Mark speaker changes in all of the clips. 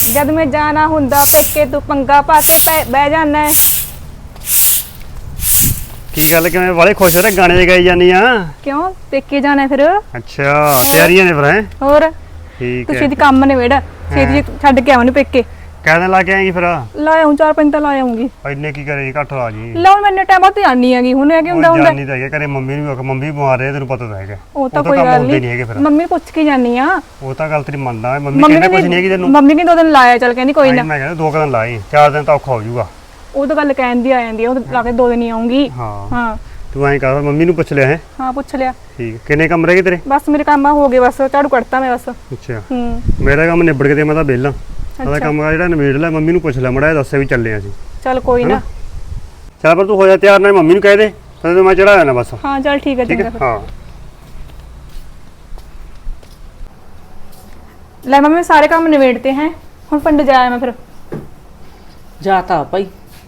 Speaker 1: जद मैं जाना हुंदा पेके तू पंगा पाके बह जाना है।
Speaker 2: ਕੀ ਗੱਲ ਕਿਵੇਂ ਵਾਲੇ ਖੁਸ਼ ਹੋ ਰਹੇ ਗਾਣੇ ਗਾਈ ਜਾਨੀ ਆ
Speaker 1: क्यों पेके जाना है फिर?
Speaker 2: ਅੱਛਾ ਤਿਆਰੀਆਂ ਨੇ ਫਿਰ ਹੈ
Speaker 1: और
Speaker 2: ਠੀਕ
Speaker 1: तू
Speaker 2: ਹੈ
Speaker 1: छेती काम निबेड़ छेती छड्ड के आवन पेके
Speaker 2: ਕਹਿਣ ਲਾ ਕੇ ਆਏਗੀ ਫਿਰ
Speaker 1: लाया हूं 4-5 ता लाया हूंगी।
Speaker 2: ਇੰਨੇ ਕੀ ਕਰੇਗੀ ਘੱਟ ਲਾ ਜੀ
Speaker 1: लो मैंने टाइम तो आनी हैगी हुन है कि हुंदा हुंदा
Speaker 2: ਜਾਨੀ ਤਾਂ ਹੈਗਾ ਘਰੇ ਮੰਮੀ ਨੂੰ ਵੀ ਮੰਮੀ ਬਿਮਾਰ ਰਹੇ ਤੈਨੂੰ ਪਤਾ ਤਾਂ ਹੈਗਾ
Speaker 1: ਉਹ ਤਾਂ
Speaker 2: ਕੰਮ
Speaker 1: ਕੋਈ ਗੱਲ
Speaker 2: ਹੁੰਦੇ ਨਹੀਂ ਹੈਗੇ ਫਿਰ
Speaker 1: ਮੰਮੀ ਨੂੰ ਪੁੱਛ ਕੇ ਜਾਨੀ ਆ।
Speaker 2: ਉਹ ਤਾਂ ਗੱਲ ਤੇਰੀ ਮੰਨਦਾ ਮੰਮੀ ਕਹਿੰਦੇ ਕੁਝ ਨਹੀਂ ਹੈਗੀ ਤੈਨੂੰ
Speaker 1: ਮੰਮੀ ਕਹਿੰਦੀ 2 ਦਿਨ ਲਾਇਆ ਚੱਲ ਕਹਿੰਦੀ ਕੋਈ ਨਾ
Speaker 2: ਮੈਂ ਕਹਿੰਦਾ 2 ਦਿਨ ਲਾਈ 4 ਦਿਨ ਤਾਂ ਔਖਾ ਹੋ ਜਾਊਗਾ।
Speaker 1: ਉਹ ਤਾਂ ਗੱਲ ਕਹਿੰਦੀ ਆ ਜਾਂਦੀ ਆ ਉਹ ਲਾ ਕੇ 2 ਦਿਨ ਹੀ ਆਉਂਗੀ।
Speaker 2: ਹਾਂ
Speaker 1: ਹਾਂ
Speaker 2: ਤੂੰ ਐਂ ਕਰ ਮੰਮੀ ਨੂੰ ਪੁੱਛ ਲਿਆ ਹੈ
Speaker 1: ਹਾਂ ਪੁੱਛ ਲਿਆ।
Speaker 2: ਠੀਕ ਕਿੰਨੇ ਕੰਮ ਰਹਿ ਗਏ ਤੇਰੇ
Speaker 1: ਬਸ ਮੇਰੇ ਕੰਮ ਹੋ ਗਏ ਬਸ ਝਾੜੂ ਕੱਢਤਾ ਮੈਂ ਬਸ।
Speaker 2: ਅੱਛਾ
Speaker 1: ਮੇਰਾ
Speaker 2: ਕੰਮ ਨਿਬੜ ਕੇ ਤੇ ਮੈਂ ਤਾਂ ਵਿਹਲਾ ਉਹਦਾ ਕੰਮ ਜਿਹੜਾ ਨਿਬੇੜ ਲੈ ਮੰਮੀ ਨੂੰ ਪੁੱਛ ਲੈ ਮੜਾ ਦੱਸਿਆ ਵੀ ਚੱਲੇ ਅਸੀਂ
Speaker 1: ਚੱਲ ਕੋਈ ਨਾ
Speaker 2: ਚੱਲ ਪਰ ਤੂੰ ਹੋ ਜਾ ਤਿਆਰ ਨਾਲ ਮੰਮੀ ਨੂੰ ਕਹਿ ਦੇ ਫਿਰ ਮੈਂ ਚੜਾ ਜਾਣਾ ਬਸ।
Speaker 1: ਹਾਂ ਚੱਲ ਠੀਕ ਹੈ ਚੰਗਾ ਫਿਰ।
Speaker 2: ਹਾਂ
Speaker 1: ਲੈ ਮੰਮੀ ਸਾਰੇ ਕੰਮ ਨਿਬੇੜਤੇ हैं ਹੁਣ ਪਿੰਡ ਜਾਇਆ ਮੈਂ ਫਿਰ।
Speaker 3: ਜਾਤਾ ਭਾਈ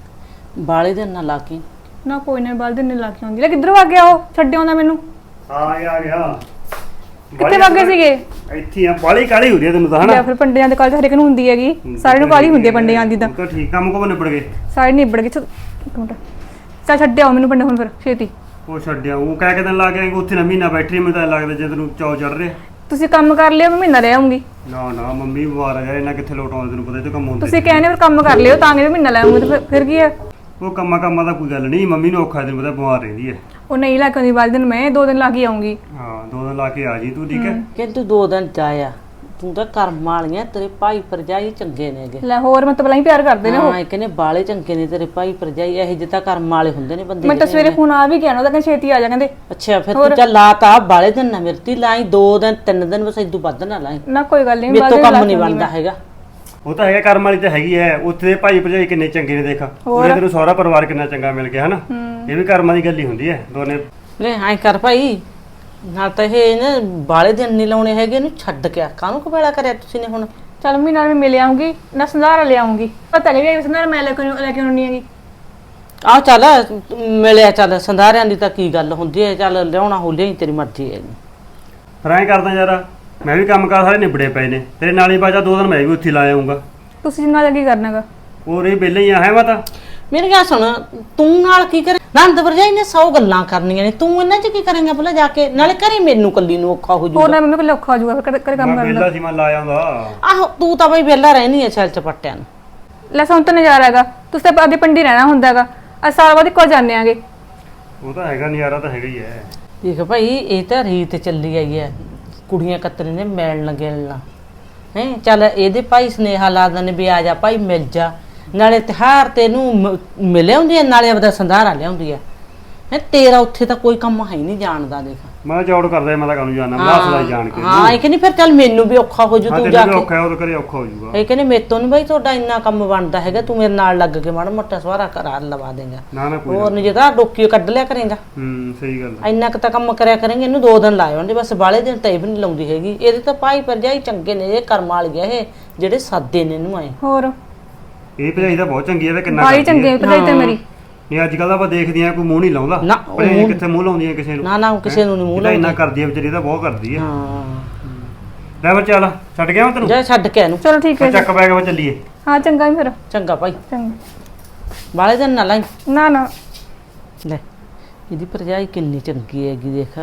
Speaker 3: ਬਾਲੇ ਦਿਨ ਨਾ ਲਾ ਕੇ
Speaker 1: ਨਾ ਕੋਈ ਨਾ ਬਾਲ ਦਿਨ ਲਾ ਕੇ ਆਉਂਦੀ ਲੈ ਕਿੱਧਰੋਂ ਆ ਗਿਆ ਉਹ ਛੱਡ ਆਉਂਦਾ ਮੈਨੂੰ।
Speaker 2: ਆ ਗਿਆ
Speaker 1: ਕਿੱਥੇ ਵਗ ਗਏ ਸੀਗੇ?
Speaker 2: ਇੱਥੇ ਆ ਬਾਲੀ ਕਾਲੀ ਹੋ ਰਹੀ ਹੈ ਤੈਨੂੰ ਤਾਂ ਹਨਾ।
Speaker 1: ਲੈ ਫਿਰ ਪਿੰਡਿਆਂ ਦੇ ਕਾਲਜ ਹਰੇਕ ਨੂੰ ਹੁੰਦੀ ਹੈਗੀ ਸਾਰੇ ਨੂੰ ਕਾਲੀ ਹੁੰਦੀ ਹੈ ਪਿੰਡਿਆਂ ਦੀ ਤਾਂ।
Speaker 2: ਤਾਂ ਠੀਕ ਕੰਮ ਕੋ ਨਿਬੜ ਗਏ
Speaker 1: ਸਾਰੇ ਨਿਬੜ ਗਏ ਇੱਕ ਮਿੰਟ ਚੱਲ ਛੱਡ ਆਓ ਮੈਨੂੰ ਪਿੰਡ ਹੁਣ ਫਿਰ ਛੇਤੀ।
Speaker 2: ਉਹ ਛੱਡਿਆ ਉਹ ਕਹਿ ਕੇ ਦਿਨ ਲਾ ਕੇ ਆਏਂਗੇ ਉੱਥੇ ਨਾ ਮਹੀਨਾ ਬੈਠੀ ਮੈਨੂੰ ਤਾਂ ਲੱਗਦਾ ਜੇ ਤੈਨੂੰ ਚੌ ਚੜ ਰਿਹਾ।
Speaker 1: ਤੁਸੀਂ ਕੰਮ ਕਰ ਲਿਓ ਮੈਂ ਮਹੀਨਾ ਰਹਿ ਆਉਂਗੀ।
Speaker 2: ਨਾ ਨਾ ਮੰਮੀ ਬਿਮਾਰ ਆ ਯਾਰ ਇਹਨਾਂ ਕਿੱਥੇ ਲੋਟ ਆਉਂਦੇ ਤੈਨੂੰ ਪਤਾ ਇਹ ਤਾਂ ਕੰਮ ਹੁੰਦੇ
Speaker 1: ਤੁਸੀਂ ਕਹਿੰਦੇ ਫਿਰ ਕੰਮ ਕਰ ਲਿਓ ਤਾਂ ਕਿ ਮਹੀਨਾ ਲੈ ਆਉਂਗੀ ਤੇ ਫਿਰ ਕੀ ਹੈ।
Speaker 2: ਉਹ ਕੰਮਾਂ ਦਾ ਕੋਈ ਗੱਲ ਨਹੀਂ ਮੰਮੀ ਨੂੰ ਔਖਾ ਤੈਨੂੰ ਪਤਾ ਬਿਮਾਰ ਰਹਿੰਦੀ ਹੈ।
Speaker 1: ਉਹ ਨਹੀਂ ਲਾ ਕੇ ਆਉਂਦੀ ਬਾਲ ਦਿਨ ਮੈਂ 2 ਦਿਨ ਲਾ ਕੇ ਆਉਂਗੀ।
Speaker 2: ਹਾਂ 2 ਦਿਨ ਲਾ ਕੇ ਆ ਜੀ ਤੂੰ ਠੀਕ ਹੈ।
Speaker 3: ਕਿ ਤੂੰ 2 ਦਿਨ ਜਾਇਆ ਤੂੰ ਤਾਂ ਕਰਮ ਵਾਲੀਆਂ ਤੇਰੇ ਭਾਈ ਭਰਜਾਈ ਚੰਗੇ ਨੇਗੇ।
Speaker 1: ਲੈ ਹੋਰ ਮੈਂ ਤਾਂ ਪਹਿਲਾਂ ਹੀ ਪਿਆਰ ਕਰਦੇ ਨੇ ਉਹ।
Speaker 3: ਹਾਂ ਕਹਿੰਦੇ ਬਾਲੇ ਚੰਗੇ ਨੇ ਤੇਰੇ ਭਾਈ ਭਰਜਾਈ ਇਹੋ ਜਿਹੇ ਤਾਂ ਕਰਮ ਵਾਲੇ ਹੁੰਦੇ ਨੇ ਬੰਦੇ।
Speaker 1: ਮੈਂ ਤਾਂ ਸਵੇਰੇ ਫੋਨ ਆ ਵੀ ਗਿਆ ਨਾ ਉਹਦਾ ਕਹਿੰਦੇ ਛੇਤੀ ਆ ਜਾ ਕਹਿੰਦੇ।
Speaker 3: ਅੱਛਾ ਫਿਰ ਤੂੰ ਚੱਲ ਲਾਤਾ ਬਾਲੇ ਦਿਨ ਨਾ ਮਿਰਤੀ ਲਾਈ 2 ਦਿਨ 3 ਦਿਨ ਬਸ ਇਦੋਂ ਵੱਧ ਨਾ ਲਾਈ
Speaker 1: ਨਾ ਕੋਈ ਗੱਲ ਨਹੀਂ
Speaker 3: ਮੇਰੇ ਤੋਂ ਕੰਮ ਨਹੀਂ ਬਣਦਾ ਹੈਗਾ।
Speaker 2: ਉਹ ਤਾਂ ਹੈਗਾ ਕਰਮ ਵਾਲੀ ਤਾਂ ਹੈਗੀ ਹੈ ਉੱਥੇ ਦੇ ਭਾਈ ਭਰਜਾਈ ਕਿੰਨੇ ਚੰਗੇ ਨੇ ਦੇਖਾ ਉਹਨੇ ਤੈਨੂੰ ਸਾਰਾ ਪਰਿਵਾਰ ਕਿੰਨਾ ਚੰਗਾ ਮਿਲ ਗਿਆ ਹਨਾ। ਇਹ ਵੀ ਕਰਮਾਂ ਦੀ ਗੱਲ ਹੀ ਹੁੰਦੀ ਹੈ ਦੋਨੇ।
Speaker 3: ਲੈ ਐਂ ਕਰ ਭਾਈ ਨਾ ਤਾਂ ਇਹ ਨਾ ਬਾਲੇ ਦਿਨ ਨਹੀਂ ਲਾਉਣੇ ਹੈਗੇ ਇਹਨੂੰ ਛੱਡ ਕੇ ਕਾਹਨੂੰ ਕਬੇੜਾ ਕਰਿਆ ਤੁਸੀਂ ਨੇ ਹੁਣ।
Speaker 1: ਚੱਲ ਮੈਂ ਨਾਲ ਮਿਲ ਆਉਂਗੀ ਨਾ ਸੰਧਾਰਾ ਲੈ ਆਉਂਗੀ ਪਤਾ ਨਹੀਂ ਵੀ ਸੰਧਾਰਾ ਮੈਂ ਲੈ ਕੇ ਆਉਣੀ ਹੈਗੀ।
Speaker 3: ਆਹ ਚੱਲ ਮਿਲਿਆ ਚੱਲ ਸੰਧਾਰਿਆਂ ਦੀ ਤਾਂ ਕੀ ਗੱਲ ਹੁੰਦੀ ਹੈ ਚੱਲ ਲਿਆਉਣਾ ਹੋ ਲਿਆ ਤੇਰੀ ਮਰਜ਼ੀ ਹੈ।
Speaker 2: ਫਿਰ ਐਂ ਕਰਦਾ ਯਾਰ ਮੈਂ ਵੀ ਕੰਮ ਕਾਰ ਸਾਰੇ ਨਿਬੜੇ ਪਏ ਨੇ ਤੇਰੇ ਨਾਲ ਹੀ ਬਾਜਾ 2 ਦਿਨ ਮੈਂ ਵੀ ਉੱਥੇ ਲਾ ਆਉਂਗਾ।
Speaker 1: ਤੁਸੀਂ ਨਾਲ ਕੀ ਕਰਨਾਗਾ?
Speaker 2: ਹੋਰ ਇਹ ਵਿਹਲੇ ਹੀ ਆ ਹੈ ਮੈਂ ਤਾਂ।
Speaker 3: ਮੇਰੀ ਗੱਲ ਸੁਣ ਤੂੰ ਨਾਲ ਕੀ ਕਰੇ ਨੰਦ ਵਰਜਾਈ ਨੇ 100 ਗੱਲਾਂ ਕਰਨੀਆਂ ਨੇ ਤੂੰ ਇਹਨਾਂ 'ਚ ਕੀ ਕਰੇਂਗਾ ਭਲਾ ਜਾ ਕੇ ਨਾਲੇ ਘਰੇ ਮੈਨੂੰ ਕੱਲੀ ਨੂੰ ਔਖਾ ਹੋ
Speaker 1: ਹੋਰ
Speaker 3: ਜਾਊਗਾ।
Speaker 1: ਨਾ ਮੰਮੀ ਕੋਲ ਔਖਾ ਹੋ ਜਾਊਗਾ ਫਿਰ ਕਰ ਕੰਮ
Speaker 2: ਮੈਂ
Speaker 1: ਕਰਨ ਦਾ।
Speaker 2: ਵਿਹਲਾ ਸੀ ਮੈਂ ਲਾ ਆਉਂਦਾ।
Speaker 3: ਆਹੋ ਤੂੰ ਤਾਂ ਬਈ ਵਿਹਲਾ ਰਹਿਣੀ ਐ ਛਲ ਚਪੱਟਿਆਂ ਨੂੰ।
Speaker 1: ਲੈ ਸਾਨੂੰ ਤਾਂ ਨਜ਼ਾਰਾ ਹੈਗਾ ਤੁਸੀਂ ਤਾਂ ਅੱਗੇ ਪਿੰਡੀ ਰਹਿਣਾ ਹੁੰਦਾ ਹੈਗਾ ਅਸੀਂ ਸਾਰਾ ਬਾਅਦ ਇੱਕੋ ਜਾਂਦੇ ਆਂਗੇ।
Speaker 2: ਉਹ ਤਾਂ ਹੈਗਾ ਨਜ਼ਾਰਾ ਤਾਂ ਹੈਗਾ ਹੀ ਹੈ।
Speaker 3: ਦੇਖ ਭਾਈ ਇਹ ਤਾਂ ਰੀਤ ਚੱਲੀ ਆਈ ਐ ਕੁੜੀਆਂ ਕਤਰੇ ਨੇ ਮਿਲਣ ਲੱਗਣਾ ਹੈ ਚੱਲ ਇਹਦੇ ਭਾਈ ਸੁਨੇਹਾ ਲਾ ਦਿੰਦੇ ਵੀ ਆ ਜਾ ਭਾਈ ਮਿਲ ਜਾ ਨਾਲੇ ਤਿਉਹਾਰ ਤੈਨੂੰ ਮਿਲ ਆਉਂਦੀ ਐ ਨਾਲੇ ਆਪਦਾ ਸੰਧਾਰਾ ਲਿਆਉਂਦੀ ਐ ਹੈ ਤੇਰਾ ਉੱਥੇ ਤਾਂ ਕੋਈ ਕੰਮ ਹੈ ਨਹੀਂ ਜਾਣਦਾ ਦੇਖ।
Speaker 2: ਮੈਂ ਚੌੜ ਕਰਦਾ ਮੈਂ ਤਾਂ ਕੰਮ ਜਾਣਾ ਮੈਂ ਹੱਸ ਲਈ ਜਾਣ ਕੇ।
Speaker 3: ਹਾਂ ਇਹ ਕਹਿੰਦੀ ਫਿਰ ਚੱਲ ਮੈਨੂੰ ਵੀ ਔਖਾ ਹੋ ਜੂ ਤੂੰ ਜਾ ਕੇ।
Speaker 2: ਔਖਾ ਉਹ ਕਰੇ ਔਖਾ ਹੋ ਜਾਊਗਾ।
Speaker 3: ਇਹ ਕਹਿੰਦੇ ਮੇਰੇ ਤੋਂ ਨਹੀਂ ਬਾਈ ਤੁਹਾਡਾ ਇੰਨਾ ਕੰਮ ਬਣਦਾ ਹੈਗਾ ਤੂੰ ਮੇਰੇ ਨਾਲ ਲੱਗ ਕੇ ਮਾੜਾ ਮੋਟਾ ਸਵਾਰਾ ਕਰਾ ਲਵਾ ਦੇਂਗਾ।
Speaker 2: ਨਾ ਨਾ ਕੋਈ
Speaker 3: ਹੋਰ ਨਹੀਂ ਜੇ ਤਾਂ ਡੋਕੀ ਕੱਢ ਲਿਆ ਕਰੇਗਾ।
Speaker 2: ਸਹੀ ਗੱਲ ਹੈ।
Speaker 3: ਇੰਨਾ ਕੁ ਤਾਂ ਕੰਮ ਕਰਿਆ ਕਰਾਂਗੇ ਇਹਨੂੰ 2 ਦਿਨ ਲਾਏ ਹੁੰਦੇ ਬਸ ਬਾਲੇ ਦਿਨ ਤਾਂ ਇਹ ਵੀ ਨਹੀਂ ਲਾਉਂਦੀ ਹੈਗੀ। ਇਹਦੇ ਤਾਂ ਭਾਈ ਭਰਜਾਈ ਚੰਗੇ ਨੇ ਇਹ ਕਰਮ ਵਾਲੀਆਂ ਇਹ ਜਿਹੜੇ ਸਾਦੇ ਨੇ ਇਹਨੂੰ ਆਏ।
Speaker 1: ਹੋਰ
Speaker 2: ਇਹ ਭਜਾਈ ਤਾਂ ਬਹੁਤ ਚੰਗੀ ਹੈ ਤੇ ਕਿੰਨਾ
Speaker 1: ਬਾਈ ਚੰਗੇ ਭਜਾਈ ਤੇ ਮੇਰੀ।
Speaker 2: ਨਹੀਂ ਅੱਜ ਕੱਲ ਤਾਂ ਆਪਾਂ ਦੇਖਦੇ ਆਂ ਕੋਈ ਮੂੰਹ ਨਹੀਂ ਲਾਉਂਦਾ
Speaker 3: ਨਾ,
Speaker 2: ਭਜਾਈ ਕਿੱਥੇ ਮੂੰਹ ਲਾਉਂਦੀਆਂ ਕਿਸੇ ਨੂੰ।
Speaker 3: ਨਾ ਕਿਸੇ ਨੂੰ ਨਹੀਂ ਮੂੰਹ
Speaker 2: ਲਾਉਂਦੀ। ਇੰਨਾ ਕਰਦੀ ਹੈ ਵਿਚਾਰੀ ਤਾਂ ਬਹੁਤ ਕਰਦੀ ਹੈ।
Speaker 3: ਹਾਂ
Speaker 2: ਲੈ ਬੱਚਾ ਚੱਲ ਛੱਡ ਗਿਆ ਮੈਂ ਤੈਨੂੰ।
Speaker 3: ਜਾ ਛੱਡ ਕੇ ਇਹਨੂੰ।
Speaker 1: ਚਲੋ ਠੀਕ ਹੈ
Speaker 2: ਚੱਕ ਬੈਗ ਵਾ ਚੱਲੀਏ।
Speaker 1: ਹਾਂ ਚੰਗਾ ਫਿਰ
Speaker 3: ਚੰਗਾ ਭਾਈ
Speaker 1: ਚੰਗਾ।
Speaker 3: ਬਾਲੇ ਦਿਨ ਨਾ ਲਾਈ।
Speaker 1: ਨਾ ਨਾ
Speaker 3: ਲੈ ਇਹਦੀ ਭਰਜਾਈ ਕਿੰਨੀ ਚੰਗੀ ਹੈਗੀ ਦੇਖ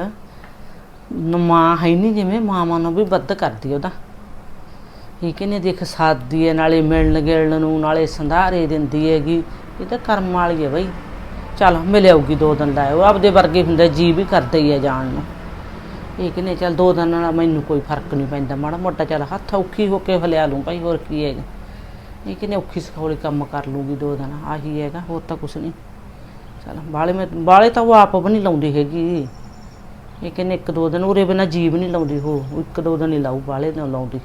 Speaker 3: ਮਾਂ ਹੈ ਨਹੀਂ ਜਿਵੇਂ ਮਾਵਾਂ ਨੂੰ ਵੀ ਵੱਧ ਕਰਦੀ ਉਹਦਾ। ਇਹ ਕਹਿੰਦੇ ਦੇਖ ਸਾਦੀ ਹੈ ਨਾਲੇ ਮਿਲਣ ਗਿਲਣ ਨੂੰ ਨਾਲੇ ਸੰਧਾਰੇ ਦਿੰਦੀ ਹੈਗੀ ਇਹ ਤਾਂ ਕਰਮ ਵਾਲੀ ਹੈ ਬਈ। ਚੱਲ ਮਿਲ ਆਊਗੀ 2 ਦਿਨ ਲਾਏ ਉਹ ਆਪਦੇ ਵਰਗੇ ਹੁੰਦੇ ਜੀ ਵੀ ਕਰਦਾ ਹੀ ਹੈ ਜਾਣ ਨੂੰ। ਇਹ ਕਹਿੰਦੇ ਚੱਲ 2 ਦਿਨ ਨਾਲ ਮੈਨੂੰ ਕੋਈ ਫਰਕ ਨਹੀਂ ਪੈਂਦਾ ਮਾੜਾ ਮੋਟਾ ਚੱਲ ਹੱਥ ਔਖੀ ਹੋ ਕੇ ਹਲਿਆ ਲੂੰ ਭਾਈ ਹੋਰ ਕੀ ਹੈਗਾ। ਇਹ ਕਹਿੰਦੇ ਔਖੀ ਸਖੌਲੀ ਕੰਮ ਕਰ ਲੂਗੀ 2 ਦਿਨ ਆਹੀ ਹੈਗਾ ਹੋਰ ਤਾਂ ਕੁਛ ਨਹੀਂ। ਚੱਲ ਬਾਲੇ ਤਾਂ ਉਹ ਆਪ ਵੀ ਨਹੀਂ ਲਾਉਂਦੀ ਹੈਗੀ। ਇਹ ਕਹਿੰਦੇ 1-2 ਦਿਨ ਉਰੇ ਬਿਨਾਂ ਜੀਵ ਨਹੀਂ ਲਾਉਂਦੀ ਉਹ 1-2 ਦਿਨ ਹੀ ਲਾਊ ਬਾਲੇ ਨਾ ਲਾਉਂਦੀ।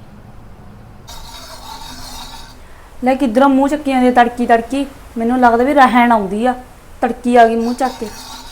Speaker 4: ਲੈ ਕਿੱਧਰੋਂ ਮੂੰਹ ਚੱਕੀਆਂ ਦੇ ਤੜਕੀ ਮੈਨੂੰ ਲੱਗਦਾ ਵੀ ਰਹਿਣ ਆਉਂਦੀ ਆ ਤੜਕੀ ਆ ਗਈ ਮੂੰਹ ਚੱਕ ਕੇ।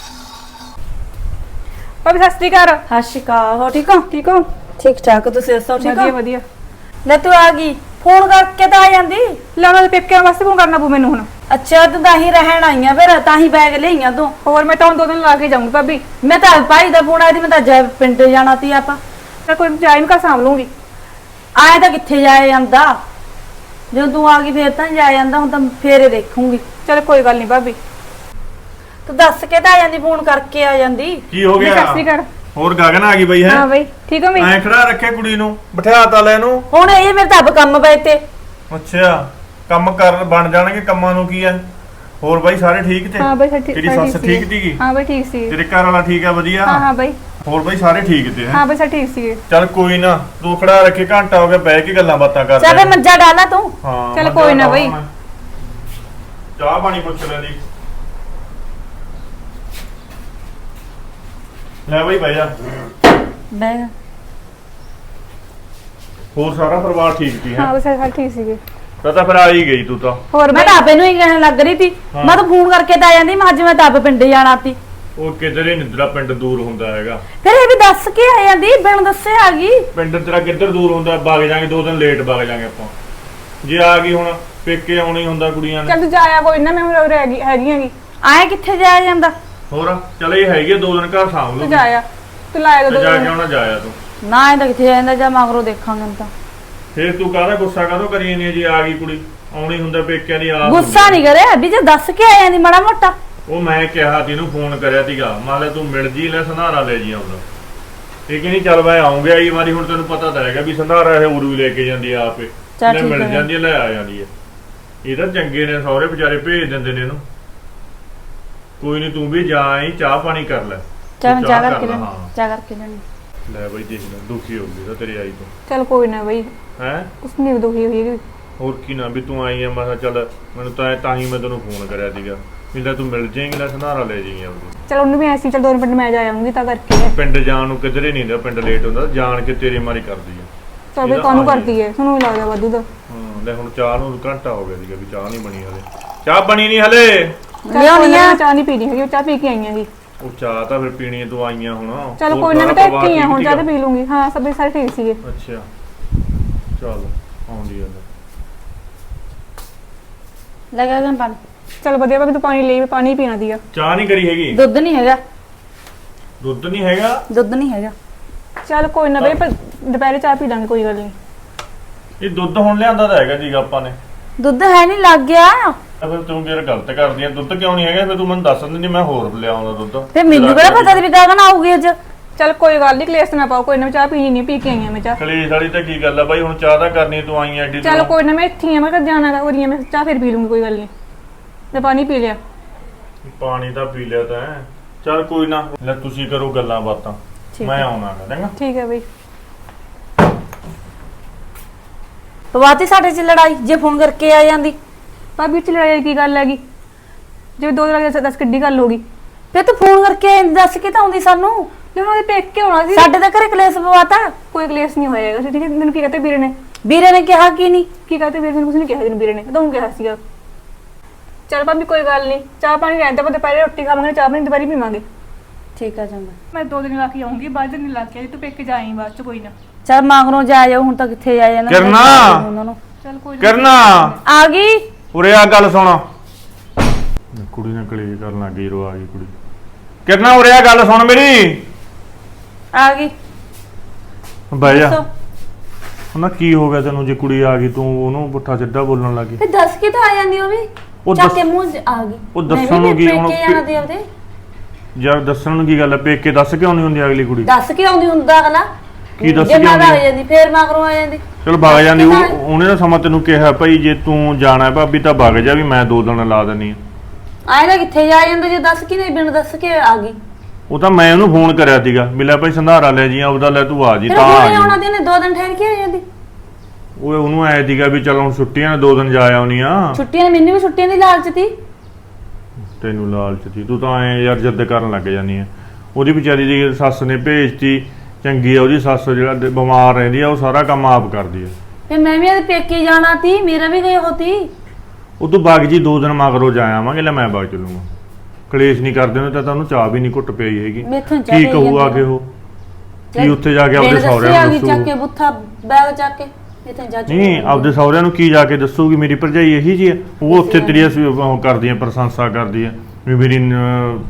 Speaker 1: ਭਾਬੀ ਸਤਿ ਸ਼੍ਰੀ ਅਕਾਲ।
Speaker 4: ਸਤਿ ਸ਼੍ਰੀ ਅਕਾਲ ਹੋ ਠੀਕ ਹੋ?
Speaker 1: ਠੀਕ ਹੋ?
Speaker 4: ਠੀਕ ਠਾਕ ਤੁਸੀਂ ਦੱਸੋ ਠੀਕ
Speaker 1: ਵਧੀਆ
Speaker 4: ਹੋ?
Speaker 1: ਵਧੀਆ।
Speaker 4: ਲੈ ਤੂੰ ਆ ਗਈ ਫੋਨ ਕਰਕੇ ਤਾਂ ਆ ਜਾਂਦੀ।
Speaker 1: ਲੈ ਉਹਨਾਂ ਦੇ ਪੇਕਿਆਂ ਵਾਸਤੇ ਫੋਨ ਕਰਨਾ ਪਊ ਮੈਨੂੰ ਹੁਣ।
Speaker 4: ਅੱਛਾ ਤੂੰ ਤਾਂ ਹੀ ਰਹਿਣ ਆਈਆਂ ਫਿਰ ਤਾਂ ਹੀ ਬੈਗ ਲਈਆਂ ਤੂੰ।
Speaker 1: ਹੋਰ ਮੈਂ ਤਾਂ ਹੁਣ 2 ਦਿਨ ਲਾ ਕੇ ਜਾਊਂਗੀ ਭਾਬੀ।
Speaker 4: ਮੈਂ ਤਾਂ ਭਾਈ ਦਾ ਫੋਨ ਆਇਆ ਸੀ ਮੈਂ ਤਾਂ ਜੈ ਪਿੰਡ ਜਾਣਾ ਸੀ ਆਪਾਂ।
Speaker 1: ਮੈਂ ਕੋਈ ਜਾਈ ਨੂੰ ਕਾ ਸਾਂਭ ਲੂੰਗੀ।
Speaker 4: ਆਏ ਤਾਂ ਕਿੱਥੇ ਜਾਏ ਜਾਂਦਾ ਜਦੋਂ ਤੂੰ ਆ ਗਈ ਫੇਰ ਤਾਂ ਜਾ ਜਾਂਦਾ, ਹੁਣ ਤਾਂ ਫੇਰੇ ਦੇਖੂੰਗੀ।
Speaker 1: ਚਲ ਕੋਈ ਗੱਲ ਨਹੀਂ ਭਾਬੀ।
Speaker 4: ਤੂੰ ਦੱਸ ਕੇ ਤਾਂ ਆ ਜਾਂਦੀ, ਫੋਨ ਕਰਕੇ ਆ ਜਾਂਦੀ।
Speaker 5: ਕੀ ਹੋ
Speaker 1: ਸਤਿ ਸ਼੍ਰੀ
Speaker 5: ਗਿਆ?
Speaker 1: ਅਕਾਲ।
Speaker 5: ਹੋਰ ਗਗਨ ਆ ਗਈ ਬਈ ਹੈ?
Speaker 1: ਹਾਂ ਬਈ ਠੀਕ ਹੋ ਮੈਂ?
Speaker 5: ਐਂ ਖੜਾ ਰੱਖੇ ਕੁੜੀ ਨੂੰ, ਬਿਠਾ ਤਾ ਲੈ ਇਹਨੂੰ।
Speaker 4: ਹੁਣ ਇਹ ਮੇਰੇ ਤਾਂ ਆਪ ਕੰਮ ਪਏ ਤੇ।
Speaker 5: ਅੱਛਾ, ਕੰਮ ਕਰ ਬਣ ਜਾਣਗੇ, ਕੰਮਾਂ ਨੂੰ ਕੀ ਹੈ। ਹੋਰ ਬਾਈ ਸਾਰੇ ਠੀਕ ਤੇ?
Speaker 1: ਹਾਂ ਬਈ ਠੀਕ।
Speaker 5: ਤੇਰੀ ਸੱਸ ਠੀਕ ਸੀਗੀ?
Speaker 1: ਹਾਂ ਬਈ ਠੀਕ ਸੀ।
Speaker 5: ਤੇਰੇ ਘਰ ਵਾਲਾ ਠੀਕ ਆ? ਵਧੀਆ।
Speaker 1: ਹਾਂ ਹਾਂ ਬਈ।
Speaker 5: ਹੋਰ ਬਾਈ ਸਾਰੇ ਠੀਕ ਤੇ?
Speaker 1: ਹਾਂ ਬਈ ਸਭ ਠੀਕ ਸੀ।
Speaker 5: ਚੱਲ ਕੋਈ ਨਾ, ਤੂੰ ਖੜਾ ਰੱਖੇ, ਘੰਟਾ ਹੋ ਗਿਆ ਬਹਿ ਕੇ ਗੱਲਾਂ ਬਾਤਾਂ ਕਰਦੇ।
Speaker 4: ਚੱਲ ਫੇ ਮੰਜਾ ਡਾਲਾ ਤੂੰ।
Speaker 5: ਹਾਂ
Speaker 1: ਚੱਲ
Speaker 5: ਮੱਝਾਂ
Speaker 1: ਕੋਈ ਨਾ ਬਈ।
Speaker 5: ਡਾਵਾਂ ਮੈਂ। ਚਾਹ ਪਾਣੀ ਪੁੱਛ ਲੈਂਦੀ। ਲੈ ਬਈ ਬਹਿ ਜਾ।
Speaker 4: ਬਹਿ
Speaker 5: ਹੋਰ ਸਾਰਾ ਪਰਿਵਾਰ ਠੀਕ ਸੀ
Speaker 1: ਹਾਂ
Speaker 5: ਹੈ?
Speaker 1: ਬਈ ਸਭ ਠੀਕ ਸੀਗੇ।
Speaker 5: ਤਾਂ ਫਿਰ ਆ ਹੀ ਗਈ ਤੂੰ ਤਾਂ।
Speaker 1: ਹੋਰ
Speaker 4: ਮੈਂ
Speaker 1: ਬਈ?
Speaker 4: ਤਾਂ ਆਪੇ ਨੂੰ ਹੀ ਕਹਿਣ ਲੱਗ ਰਹੀ ਸੀ,
Speaker 5: ਹਾਂ।
Speaker 4: ਮੈਂ ਤਾਂ ਫੋਨ ਕਰਕੇ ਤਾਂ ਆ ਜਾਂਦੀ, ਮੈਂ ਅੱਜ ਮੈਂ ਤਾਂ ਆਪ ਪਿੰਡ ਜਾਣਾ ਸੀ।
Speaker 5: ਉਹ ਕਿਧਰੇ ਨਿੰਦਰਾ ਪਿੰਡ ਦੂਰ ਹੁੰਦਾ ਹੈਗਾ।
Speaker 4: ਫਿਰ ਇਹ ਵੀ ਦੱਸ ਕੇ ਆ ਜਾਂਦੀ, ਬਿਨ ਦੱਸੇ ਆ ਗਈ।
Speaker 5: ਪਿੰਡ ਤੇਰਾ ਕਿੱਧਰ ਦੂਰ ਹੁੰਦਾ? ਵਗ ਜਾਾਂਗੇ 2 ਦਿਨ ਲੇਟ ਵਗ ਜਾਾਂਗੇ ਆਪਾਂ। ਜੇ ਆ ਗਈ ਹੁਣ ਪੇਕੇ ਆਉਣਾ ਹੀ ਹੁੰਦਾ ਕੁੜੀਆਂ ਨੇ।
Speaker 1: ਚੱਲ ਤੂੰ ਜਾਇਆ ਕੋਈ ਨਾ, ਮੈਂ ਹੁਣ ਹੈਗੀ ਹੈਗੀਆਂਗੀ।
Speaker 4: ਆਏ ਕਿੱਥੇ ਜਾਇਆ ਜਾਂਦਾ?
Speaker 5: ਹੋਰ ਚੱਲ ਇਹ ਹੈਗੀ 2 ਦਿਨ ਘਰ ਸਾਂਭ ਲੂ।
Speaker 1: ਤੂੰ ਜਾਇਆ, ਤੂੰ ਲਾਇਆ
Speaker 5: ਤੇ
Speaker 1: ਦੋ
Speaker 5: ਜਾ ਕੇ ਆਉਣਾ ਜਾਇਆ ਤੂੰ।
Speaker 4: ਨਾ ਇਹ ਤਾਂ ਕਿੱਥੇ ਜਾਂਦਾ, ਜਾਂ ਮਗਰੋਂ ਦੇਖਾਂਗੇ ਹੁਣ ਤਾਂ।
Speaker 5: ਫੇਰ ਤੂੰ ਕਾਹਦਾ ਗੁੱਸਾ ਕਾਹਦੋਂ ਕਰੀ ਜਾਂਦੀ ਹੈ? ਜੇ ਆ ਗਈ ਕੁੜੀ ਆਉਣੀ ਹੁੰਦਾ ਪੇਕਿਆਂ ਦੀ ਆਪ
Speaker 4: ਗੁੱਸਾ ਨਹੀਂ ਕਰਿਆ ਵੀ, ਜੇ ਦੱਸ ਕੇ ਆ ਜਾਂਦੀ ਮਾੜਾ ਮੋਟਾ।
Speaker 5: ਉਹ ਮੈਂ ਕਿਹਾ ਤੈਨੂੰ ਫੋਨ ਕਰਿਆ ਸੀਗਾ, ਮੰਨ ਲੈ ਤੂੰ ਮਿਲ ਜੀ ਲੈ ਸੰਧਾਰਾ ਲੈ ਜੀ ਆਉਂਦਾ। ਠੀਕ ਨਹੀਂ? ਚੱਲ ਮੈਂ ਆਉਂਗਾ ਇਹ ਵਾਰੀ, ਹੁਣ ਤੈਨੂੰ ਪਤਾ ਤਾਂ ਹੈਗਾ ਵੀ ਸੰਧਾਰਾ ਇਹ ਉਰੂ ਵੀ ਲੈ ਕੇ ਜਾਂਦੀ ਆ ਆਪੇ।
Speaker 4: ਚੱਲ
Speaker 5: ਲੈ
Speaker 4: ਠੀਕ
Speaker 5: ਮਿਲ
Speaker 4: ਹੈ।
Speaker 5: ਜਾਂਦੀ ਹੈ, ਲੈ ਆ ਜਾਂਦੀ ਹੈ। ਇਹ ਤਾਂ ਚੰਗੇ ਨੇ, ਸਹੁਰੇ ਵਿਚਾਰੇ ਭੇਜ ਦਿੰਦੇ ਨੇ ਇਹਨੂੰ। ਕੋਈ ਨਹੀਂ, ਤੂੰ ਵੀ ਜਾ ਆਈ, ਚਾਹ ਪਾਣੀ ਕਰ ਲੈ।
Speaker 4: ਚੱਲ
Speaker 5: ਤੂੰ
Speaker 4: ਮੈਂ ਚਾਹ
Speaker 5: ਕਰ
Speaker 4: ਕਰਕੇ
Speaker 5: ਲੈ,
Speaker 4: ਲੈਣੀ,
Speaker 5: ਹਾਂ।
Speaker 4: ਚਾਹ ਕਰਕੇ ਲੈਣੀ।
Speaker 5: ਲੈ ਬਈ ਦੇਖ ਲੈ, ਦੁਖੀ ਹੋ ਗਈ ਤਾਂ ਤੇਰੀ ਆਈ ਤੋਂ।
Speaker 1: ਚੱਲ ਕੋਈ ਨਾ ਬਈ,
Speaker 5: ਹੈ
Speaker 1: ਕੁਛ ਨਹੀਂ ਦੁਖੀ ਹੋਈ।
Speaker 5: ਹੋਰ ਕੀ ਨਾ ਵੀ ਤੂੰ ਆਈ ਆ, ਮੈਂ ਕਿਹਾ ਚੱਲ ਮੈਨੂੰ ਤਾਂ ਹੀ ਮੈਂ ਤੈਨੂੰ ਫੋਨ ਕਰਿਆ ਸੀਗਾ ਵੀ ਲੈ ਤੂੰ ਮਿਲ ਜਾਏਂਗੀ, ਲੈ ਸੰਧਾਰਾ ਲੈ ਜਾਏਂਗੀ ਆਪਣੀ।
Speaker 1: ਚਲ ਉਹਨੂੰ ਵੀ ਐਸੀ, ਚਲ 2 ਮਿੰਟ ਮੈਂ ਜਾ ਆਉਂਗੀ ਤਾਂ ਕਰਕੇ।
Speaker 5: ਪਿੰਡ ਜਾਣ ਨੂੰ ਕਿਧਰੇ ਨਹੀਂ ਹੁੰਦਾ, ਪਿੰਡ ਲੇਟ ਹੁੰਦਾ, ਜਾਣ ਕੇ ਤੇਰੇ ਮਾਰੀ ਕਰਦੀ ਆ।
Speaker 1: ਚਲ ਬਈ ਕਾਹਨੂੰ ਕਰਦੀ ਹੈ, ਤੁਹਾਨੂੰ ਲੱਗਦਾ ਵਾਧੂ ਦਾ।
Speaker 5: ਹਾਂ ਲੈ ਹੁਣ ਚਾਹ ਨੂੰ ਘੰਟਾ ਹੋ ਗਿਆ ਸੀਗਾ ਵੀ ਚਾਹ ਨਹੀਂ ਬਣੀ ਹਲੇ। ਚਾਹ ਬਣੀ ਨਹੀਂ ਹਲੇ?
Speaker 4: ਲਿਆਉਣੀ ਆ।
Speaker 1: ਚਾਹ ਨਹੀਂ ਪੀਣੀ ਹੈਗੀ, ਚਾਹ ਪੀ ਕੇ ਆਈਆਂਗੀ।
Speaker 5: ਉਹ ਚਾਹ ਤਾਂ ਫਿਰ ਪੀਣੀ ਹੈ, ਤੂੰ ਆਈਆਂ ਹੁਣ।
Speaker 1: ਚਲ
Speaker 5: ਹੋਰ
Speaker 1: ਕੋਈ ਨਾ,
Speaker 5: ਸਾਰਾ
Speaker 1: ਮੈਂ ਤਾਂ
Speaker 5: ਪਰਿਵਾਰ
Speaker 1: ਇੱਥੇ ਹੀ ਆ, ਹੁਣ
Speaker 5: ਠੀਕ
Speaker 1: ਚਾਹ ਤਾਂ ਪੀ ਲੂੰਗੀ। ਹਾਂ ਸਭ ਸਾਰੇ ਠੀਕ ਸੀਗੇ।
Speaker 5: ਅੱਛਾ ਚੱਲ ਆਉਂਦੀ ਆ।
Speaker 4: ਲਗਾ ਗਨ ਪਾਣੀ।
Speaker 1: ਚਲ ਵਧੀਆ ਭਾਵੇਂ ਤੂੰ ਪਾਣੀ ਲਈ, ਪਾਣੀ ਪੀਣਾ ਦੀਆ।
Speaker 5: ਚਾਹ ਨਹੀਂ ਕਰੀ ਹੈਗੀ?
Speaker 4: ਦੁੱਧ ਨਹੀਂ ਹੈਗਾ।
Speaker 5: ਦੁੱਧ ਨਹੀਂ ਹੈਗਾ?
Speaker 4: ਦੁੱਧ ਨਹੀਂ ਹੈਗਾ।
Speaker 1: ਚਲ ਕੋਈ ਨਾ ਬਈ, ਪਰ ਦੁਪਹਿਰੇ ਚਾਹ ਪੀ ਲਾਂਗੇ, ਕੋਈ ਗੱਲ ਨਹੀਂ।
Speaker 5: ਇਹ ਦੁੱਧ ਹੁਣ ਲਿਆਂਦਾ ਤਾਂ ਹੈਗਾ ਜੀਗਾ ਆਪਾਂ ਨੇ।
Speaker 4: ਦੁੱਧ ਹੈ ਨਹੀਂ, ਲੱਗ ਗਿਆ।
Speaker 5: ਤਾਂ ਫਿਰ ਤੂੰ ਯਾਰ ਗਲਤ ਕਰਦੀ ਆ। ਦੁੱਧ ਕਿਉਂ ਨਹੀਂ ਹੈਗਾ? ਫਿਰ ਤੂੰ ਮੈਨੂੰ ਦੱਸ ਦਿੰਦੀ, ਮੈਂ ਹੋਰ ਲਿਆਉਂਦਾ ਦੁੱਧ।
Speaker 4: ਤੇ ਮੈਨੂੰ ਕਿਹੜਾ ਪਤਾ ਸੀ ਵੀ ਗਗਨ ਆਊਗੀ ਅੱਜ।
Speaker 1: ਚਲ ਕੋਈ ਗੱਲ ਨਹੀਂ, ਕਲੇਸ਼ ਨਾ ਪਾਓ, ਕੋਈ ਨਾ, ਚਾਹ ਪੀਣੀ ਨਹੀਂ, ਪੀ ਕੇ ਆਈਆਂ ਮੈਂ ਚਾਹ।
Speaker 5: ਕਲੇਸ਼ ਵਾਲੀ ਤਾਂ ਕੀ ਗੱਲ ਆ ਬਾਈ, ਹੁਣ ਚਾਹ ਤਾਂ ਕਰਨੀ, ਤੂੰ ਆਈ ਐਡੀ
Speaker 1: ਚਲ ਕੋਈ ਨਾ, ਮੈਂ ਇੱਥੇ ਹੀ ਆ, ਮੈਂ ਕਦ ਜਾਣਾ ਤਾਂ ਹੋ ਰਹੀ ਆ, ਮੈਂ ਚਾਹ ਫਿਰ ਪੀ ਲੂੰਗੀ, ਕੋਈ ਗੱਲ ਨਹੀਂ। ਤੇ ਪਾਣੀ ਪੀ ਲਿਆ।
Speaker 5: ਪਾਣੀ ਤਾਂ ਪੀ ਲਿਆ ਤਾਂ ਹੈ। ਚੱਲ ਕੋਈ ਨਾ, ਲੈ ਤੁਸੀਂ ਕਰੋ ਗੱਲਾਂ ਬਾਤਾਂ, ਮੈਂ ਆਉਣਾ ਗਾ, ਚੰਗਾ?
Speaker 1: ਠੀਕ ਹੈ ਬਈ।
Speaker 4: ਪਵਾਤੀ ਸਾਡੇ ਚ ਲੜਾਈ, ਜੇ ਫੋਨ ਕਰਕੇ ਆ ਜਾਂਦੀ।
Speaker 1: ਭਾਬੀ ਚ ਲੜਾਈ ਕੀ ਗੱਲ ਹੈਗੀ? ਜੇ 2 ਦਿਨ ਲੱਗੇ 10 ਕਿੱਡੀ ਗੱਲ ਹੋ ਗਈ?
Speaker 4: ਫੇ ਤੂੰ ਫੋਨ ਕਰਕੇ ਆ ਜਾਂਦੀ, ਦੱਸ ਕੇ ਤਾਂ ਆਉਂਦੀ ਸਾਨੂੰ।
Speaker 1: ਜੇ ਉਹਨਾਂ ਦੇ ਪੇਕੇ ਹੋਣਾ ਸੀ।
Speaker 4: ਸਾਡੇ ਤਾਂ ਘਰੇ ਕਲੇਸ਼ ਪਵਾਤਾ।
Speaker 1: ਕੋਈ ਕਲੇਸ਼ ਨਹੀਂ ਹੋਇਆ ਹੈਗਾ, ਠੀਕ ਹੈ? ਤੈਨੂੰ ਕੀ ਕਹਤੇ ਵੀਰੇ ਨੇ?
Speaker 4: ਵੀਰੇ ਨੇ ਕਿਹਾ ਕੀ ਨਹੀਂ?
Speaker 1: ਕੀ ਕਹਤੇ ਵੀਰੇ ਨੇ? ਕੁਝ ਨਹੀਂ ਕਿਹਾ ਤੈਨੂੰ ਵੀਰੇ ਨੇ, ਤੂੰ ਕਿਹਾ ਸੀਗਾ। ਚਲ ਭਾਬੀ ਕੋਈ ਗੱਲ ਨਹੀਂ, ਚਾਹ ਪਾਣੀ ਰਹਿਣ ਦੇ, ਆਪਾਂ ਦੁਪਹਿਰੇ ਰੋਟੀ ਖਾਵਾਂਗੇ, ਚਾਹ ਪਾਣੀ ਦੁਪਹਿਰੇ ਪੀਵਾਂਗੇ।
Speaker 4: ਠੀਕ ਆ ਚੰਗਾ।
Speaker 1: ਮੈਂ 2 ਦਿਨ ਲਾ ਕੇ ਆਉਂਗੀ, ਬਾਅਦ ਦਿਨ ਲਾ ਕੇ ਤੂੰ ਪੇਕੇ ਜਾਈਂ ਬਾਅਦ ਚ, ਕੋਈ ਨਾ।
Speaker 4: ਚੱਲ ਮਗਰੋਂ ਜਾ ਜਾਓ, ਹੁਣ ਤਾਂ ਕਿੱਥੇ ਜਾ ਜਾਣਾ
Speaker 5: ਕਰਨਾ।
Speaker 4: ਉਹਨਾਂ ਨੂੰ।
Speaker 1: ਚਲ ਕੋਈ
Speaker 5: ਕਰਨਾ
Speaker 4: ਆ ਗਈ।
Speaker 5: ਉਰੇ ਆ, ਗੱਲ ਸੁਣ। ਕੁੜੀ ਨੇ ਕਲੇਸ਼ ਕਰਨ ਲੱਗ ਗਈ, ਰੋ ਆ ਗਈ ਕੁੜੀ। ਕਰਨਾ ਉਰੇ ਆ, ਗੱਲ ਸੁਣ ਮੇਰੀ।
Speaker 4: ਆ ਗਈ।
Speaker 5: ਬਹਿ ਜਾ।
Speaker 4: ਦੱਸੋ।
Speaker 5: ਉਹਨਾਂ ਕੀ ਹੋ ਗਿਆ ਤੈਨੂੰ? ਜੇ ਕੁੜੀ ਆ ਗਈ ਤੂੰ ਉਹਨੂੰ ਪੁੱਠਾ ਸਿੱਧਾ ਬੋਲਣ ਲੱਗੀ।
Speaker 4: ਤੇ ਦੱਸ ਕੇ ਤਾਂ ਆ ਜਾਂਦੀ ਉਹ ਵੀ।
Speaker 5: ਉਹ
Speaker 4: ਚੱਕ
Speaker 5: ਦੱਸ-
Speaker 4: ਕੇ ਮੂੰਹ 'ਚ ਆ ਗਈ।
Speaker 5: ਉਹ ਦੱਸਣ ਨੂੰ ਕੀ ਹੁਣ?
Speaker 4: ਪੇਕੇ ਜਾਣਾ ਤੇ ਉਹਦੇ।
Speaker 5: ਯਾਰ ਦੱਸਣ ਨੂੰ ਕੀ ਗੱਲ ਹੈ? ਪੇਕੇ ਦੱਸ ਕਿਉਂ ਨਹੀਂ ਹੁੰਦੀ ਅਗਲੀ ਕੁੜੀ?
Speaker 4: ਦੱਸ ਕੇ ਆਉਂਦੀ ਹੁੰਦਾ ਅਗਲਾ।
Speaker 5: ਕੀ ਦੱਸ
Speaker 4: ਜੇ
Speaker 5: ਕੇ
Speaker 4: ਮੈਂ
Speaker 5: ਆਉਂਦੀ?
Speaker 4: ਵਗ ਜਾਂਦੀ, ਫੇਰ ਮਗਰੋਂ ਆ ਜਾਂਦੀ।
Speaker 5: ਚਲ ਵਗ ਜਾਂਦੀ, ਉਹਨੇ ਤਾਂ ਸਮਾਂ ਤੈਨੂੰ ਕਿਹਾ ਭਾਈ ਜੇ ਤੂੰ ਜਾਣਾ ਭਾਬੀ ਤਾਂ ਵਗ ਜਾ, ਵੀ ਮੈਂ 2 ਦਿਨ ਲਾ ਦਿੰਨੀ ਆ।
Speaker 4: ਆਏ ਤਾਂ ਕਿੱਥੇ ਜਾ ਜਾਂਦਾ ਜੇ ਦੱਸ ਕੇ ਨਹੀਂ, ਬਿਨ ਦੱਸ ਕੇ ਆ ਗਈ।
Speaker 5: ਉਹ ਤਾਂ ਮੈਂ ਉਹਨੂੰ ਫੋਨ ਕਰਿਆ ਸੀਗਾ ਵੀ ਲੈ ਭਾਈ ਸੰਧਾਰਾ ਲੈ ਜੀ, ਆਪਦਾ ਲੈ ਤੂੰ ਆ ਜੀ,
Speaker 4: ਫਿਰ
Speaker 5: ਤਾਂ ਆ
Speaker 4: ਹੁਣੇ
Speaker 5: ਗਈ।
Speaker 4: ਆਉਣਾ ਤੇ ਨੇ 2 ਦਿਨ ਠਹਿਰ ਕੇ ਆ ਜਾਂਦੀ।
Speaker 5: ਉਹ ਉਹਨੂੰ ਆਇਆ ਸੀਗਾ ਵੀ ਚਲ ਹੁਣ ਛੁੱਟੀਆਂ ਨੇ 2 ਦਿਨ ਜਾ ਆਉਣੀ ਆ।
Speaker 4: ਛੁੱਟੀਆਂ ਨੇ, ਮੈਨੂੰ ਵੀ ਛੁੱਟੀਆਂ ਦੀ ਲਾਲਚ ਸੀ।
Speaker 5: ਤੈਨੂੰ ਲਾਲਚ ਸੀ, ਤੂੰ ਤਾਂ ਐ ਯਾਰ ਜਿੱਦ ਕਰਨ ਲੱਗ ਜਾਨੀ ਆ। ਉਹਦੀ ਵਿਚਾਰੀ ਦੀ ਸੱਸ ਨੇ ਭੇਜਤੀ, ਚੰਗੀ ਆ ਉਹਦੀ ਸੱਸ, ਜਿਹੜਾ ਬਿਮਾਰ ਰਹਿੰਦੀ ਆ ਉਹ ਸਾਰਾ ਕੰਮ ਆਪ ਕਰਦੀ ਆ।
Speaker 4: ਫਿਰ ਮੈਂ ਵੀ ਇਹਦੇ ਪੇਕੇ ਜਾਣਾ ਸੀ, ਮੇਰਾ ਵੀ ਗਏ ਹੋਤੀ।
Speaker 5: ਉਹ ਤੂੰ ਵਗ ਜੀ 2 ਦਿਨ ਮਗਰੋਂ ਜਾ ਆਵਾਂਗੇ, ਲੈ ਮੈਂ ਵਗ ਚੱਲੂਗਾ। ਕਲੇਸ਼ ਨਹੀਂ ਕਰਦੇ ਉਹਨੇ ਤਾਂ ਉਹਨੂੰ ਚਾਹ ਵੀ ਨਹੀਂ ਘੁੱਟ ਪਈ ਹੈਗੀ।
Speaker 4: ਮੈਥੋਂ ਚਾਹ
Speaker 5: ਕੀ
Speaker 4: ਪਈ
Speaker 5: ਕਹੂ ਆ
Speaker 4: ਜਾਂਦੀ
Speaker 5: ਕੇ ਉਹ? ਕੀ ਉੱਥੇ ਜਾ ਕੇ ਆਪਦੇ ਸਹੁਰਿਆਂ
Speaker 4: ਆ
Speaker 5: ਨੂੰ
Speaker 4: ਗਈ ਚੱਕ ਕੇ
Speaker 5: ਦੱਸੂ?
Speaker 4: ਬੁੱਥਾ ਬੈਗ ਚੱਕ ਕੇ ਇੱਥੇ ਜਾ
Speaker 5: ਨਹੀਂ, ਆਪਦੇ ਸਹੁਰਿਆਂ ਨੂੰ ਕੀ ਜਾ ਕੇ ਦੱਸੂਗੀ? ਮੇਰੀ ਭਰਜਾਈ ਇਹੀ ਜੀ ਆ, ਉਹ ਉੱਥੇ ਤੇਰੀ ਉਹ ਕਰਦੀ ਆ, ਪ੍ਰਸ਼ੰਸਾ ਕਰਦੀ ਆ ਵੀ ਮੇਰੀ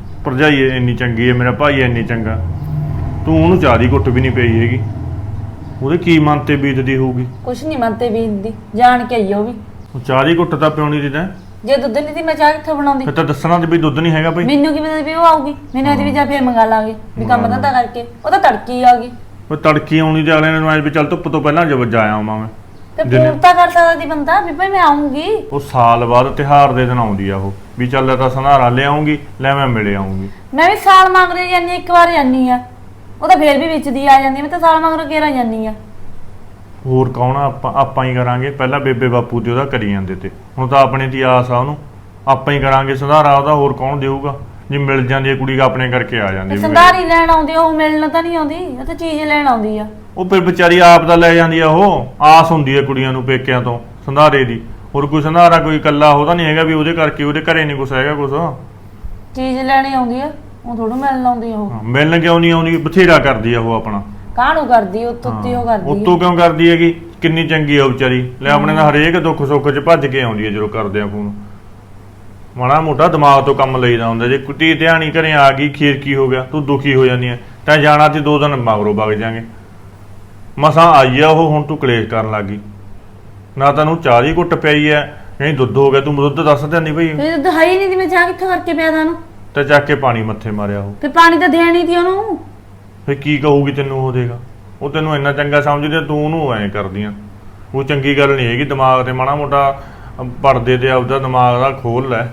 Speaker 5: ਭਰਜਾਈ ਇੰਨੀ ਚੰਗੀ ਹੈ, ਮੇਰਾ ਭਾਈ ਇੰਨੀ ਚੰਗਾ। ਤੂੰ ਉਹਨੂੰ ਚਾਹ ਦੀ ਘੁੱਟ ਵੀ ਨਹੀਂ ਪਈ ਹੈਗੀ। ਉਹਦੇ ਕੀ ਮਨ ਤੇ ਬੀਤਦੀ ਹੋਊਗੀ।
Speaker 4: ਕੁਛ ਨਹੀਂ ਮੰਨਤੇ ਵੀ ਦੀ ਜਾਣ ਕੇ ਆਈ ਆ ਉਹ ਵੀ।
Speaker 5: ਉਹ ਚਾਹ ਦੀ ਘੁੱਟ ਤਾਂ ਪਿਉਣੀ ਦੀ ਤੈਂ,
Speaker 4: ਜੇ ਦੁੱਧ ਨਹੀਂ ਦੀ ਮੈਂ ਚਾਹ ਕਿੱਥੋਂ ਬਣਾਉਂਦੀ।
Speaker 5: ਫਿਰ ਤਾਂ ਦੱਸਣਾ ਤੇ ਵੀ ਦੁੱਧ ਨਹੀਂ ਹੈਗਾ ਬਈ।
Speaker 4: ਮੈਨੂੰ ਕੀ ਪਤਾ ਵੀ ਉਹ ਆਊਗੀ, ਮੈਨੂੰ ਇਹਦੀ ਵੀ ਜਾ ਫੇਰ ਮੰਗਾ ਲਾਂਗੇ ਵੀ ਕੰਮ ਧੰਦਾ ਕਰਕੇ। ਉਹ ਤਾਂ ਤੜਕੀ ਆ ਗਈ
Speaker 5: ਉਹ ਤੜਕੀ ਆਉਣੀ ਤੇ ਅਗਲੇ ਨੂੰ ਐ ਵੀ ਚੱਲ ਧੁੱਪ ਤੋਂ ਪਹਿਲਾਂ ਜਾ ਆਇਆ ਮੈਂ।
Speaker 4: ਤੇ
Speaker 5: ਦਿਨੇ-
Speaker 4: ਫੋਨ ਤਾਂ ਕਰ ਸਕਦਾ ਦੀ ਬੰਦਾ ਵੀ ਭਾਈ ਮੈਂ ਆਉਂਗੀ।
Speaker 5: ਉਹ ਸਾਲ ਬਾਅਦ ਤਿਉਹਾਰ ਦੇ ਦਿਨ ਆਉਂਦੀ ਆ ਉਹ ਵੀ ਚੱਲ ਲੈ ਤਾਂ ਸੰਧਾਰਾ ਲਿਆਉਂਗੀ, ਲੈ ਮੈਂ ਮਿਲੇ ਆਉਂਗੀ।
Speaker 4: ਮੈਂ ਵੀ ਸਾਲ ਮੰਗਦੇ ਜਾਂਦੀ ਇੱਕ ਵਾਰ ਜਾਂਦੀ ਆ, ਉਹ ਤਾਂ ਫੇਰ ਵੀ ਵਿੱਚ ਦੀ ਆ ਜਾਂਦੀ ਆ। ਮੈਂ ਤਾਂ ਸਾਲ ਮੰਗਰ ਕੇਰਾ ਜਾਂਦੀ ਆ।
Speaker 5: ਹੋਰ ਕੌਣ ਆ, ਆਪਾਂ ਹੀ ਕਰਾਂਗੇ। ਪਹਿਲਾਂ ਬੇਬੇ ਬਾਪੂ ਤੇ ਉਹਦਾ ਕਰੀ ਜਾਂਦੇ ਤੇ, ਹੁਣ ਤਾਂ ਆਪਣੇ ਦੀ ਆਸ ਆ ਉਹਨੂੰ। ਆਪਾਂ ਹੀ ਕਰਾਂਗੇ ਸੰਧਾਰਾ ਉਹਦਾ, ਹੋਰ ਕੌਣ ਦੇਊਗਾ। ਜੇ ਮਿਲ ਜਾਂਦੀ ਹੈ ਕੁੜੀ ਆਪਣੇ ਕਰਕੇ ਆ ਜਾਂਦੀ
Speaker 4: ਤੇ
Speaker 5: ਵੀ
Speaker 4: ਸੰਧਾਰੀ ਲੈਣ ਆਉਂਦੀ ਆ, ਉਹ ਮਿਲਣ ਤਾਂ ਨਹੀਂ ਆਉਂਦੀ, ਉਹ ਤਾਂ ਚੀਜ਼ ਲੈਣ ਆਉਂਦੀ ਆ।
Speaker 5: ਉਹ ਫਿਰ ਵਿਚਾਰੀ ਆਪ ਦਾ ਲੈ ਜਾਂਦੀ ਆ। ਉਹ ਆਸ ਹੁੰਦੀ ਹੈ ਕੁੜੀਆਂ ਨੂੰ ਪੇਕਿਆਂ ਤੋਂ ਸੰਧਾਰੇ ਦੀ। ਹੋਰ ਕੋਈ ਸੰਧਾਰਾ ਕੋਈ ਇਕੱਲਾ ਉਹਦਾ ਨਹੀਂ ਹੈਗਾ ਵੀ ਉਹਦੇ ਕਰਕੇ ਉਹਦੇ ਘਰੇ ਨਹੀਂ ਕੁਛ ਹੈਗਾ ਕੁਛ।
Speaker 4: ਚੀਜ਼ ਲੈਣੀ ਆਉਂਦੀ ਆ, ਉਹ ਥੋੜਾ ਮਿਲਣ ਆਉਂਦੀ ਆ। ਉਹ
Speaker 5: ਮਿਲਣ ਕਿਉਂ ਨਹੀਂ ਆਉਂਦੀ, ਬਥੇਰਾ ਕਰਦੀ ਆ ਉਹ ਆਪਣਾ।
Speaker 4: ਕਾਹਨੂੰ ਕਰਦੀ ਉੱਤੋਂ ਉੱਤੀ ਉਹ ਕਰਦੀ
Speaker 5: ਉੱਤੋਂ ਕਿਉਂ ਕਰਦੀ ਹੈਗੀ, ਕਿੰਨੀ ਚੰਗੀ ਆ ਉਹ ਵਿਚਾਰੀ। ਲੈ ਆਪਣੇ ਦਾ ਹਰੇਕ ਦੁੱਖ ਸੁੱਖ 'ਚ ਭੱਜ ਕੇ ਆਉਂਦੀ ਹੈ ਜਦੋਂ ਕਰਦੇ ਆ ਫੋਨ। ਮਾੜਾ ਮੋਟਾ ਦਿਮਾਗ ਤੋਂ ਕੰਮ ਲਈਦਾ ਹੁੰਦਾ। ਜੇ ਕੁੱਤੀ ਧਿਆਣੀ ਘਰੇ ਆ ਗਈ, ਖੀਰ ਕੀ ਹੋ ਗਿਆ, ਤੂੰ ਦੁਖੀ ਹੋ ਜਾਂਦੀ ਹੈ। ਤਾਂ ਜਾਣਾ ਤੇ 2 ਦਿਨ ਮਗਰੋਂ ਵਗ ਜਾਾਂਗੇ। ਮਸਾਂ ਆਈ ਆ ਉਹ, ਹੁਣ ਤੂੰ ਕਲੇਸ਼ ਕਰਨ ਲੱਗ ਗਈ। ਨਾ ਤੈਨੂੰ ਚਾਹ ਦੀ ਘੁੱਟ ਪਈ ਐ, ਨਹੀਂ ਦੁੱਧ ਹੋ ਗਿਆ। ਤੂੰ ਦੁੱਧ ਦੱਸ ਦਿੰਦੀ ਬਈ।
Speaker 4: ਫਿਰ ਦੁੱਧ ਹੈ ਹੀ ਨਹੀਂ ਦੀ, ਮੈਂ ਚਾਹ ਕਿੱਥੋਂ ਕਰਕੇ ਪਿਆ ਤੁਹਾਨੂੰ।
Speaker 5: ਤੇ ਚੱਕ ਕੇ ਪਾਣੀ ਮੱਥੇ ਮਾਰਿਆ ਉਹ।
Speaker 4: ਫਿਰ ਪਾਣੀ ਤਾਂ ਦੇਣੀ ਸੀ ਉਹਨੂੰ।
Speaker 5: ਫੇ ਕੀ ਕਹੂਗੀ ਤੈਨੂੰ ਉਹ ਦੇਗਾ। ਉਹ ਤੈਨੂੰ ਇੰਨਾ ਚੰਗਾ ਸਮਝਦੀ, ਤੂੰ ਉਹਨੂੰ ਐਂ ਕਰਦੀਆਂ। ਉਹ ਚੰਗੀ ਗੱਲ ਨਹੀਂ ਹੈਗੀ। ਦਿਮਾਗ ਤੇ ਮਾੜਾ ਮੋਟਾ ਪੜਦੇ ਤੇ ਆਪਦਾ ਦਿਮਾਗ ਦਾ ਖੋਲ ਲੈ।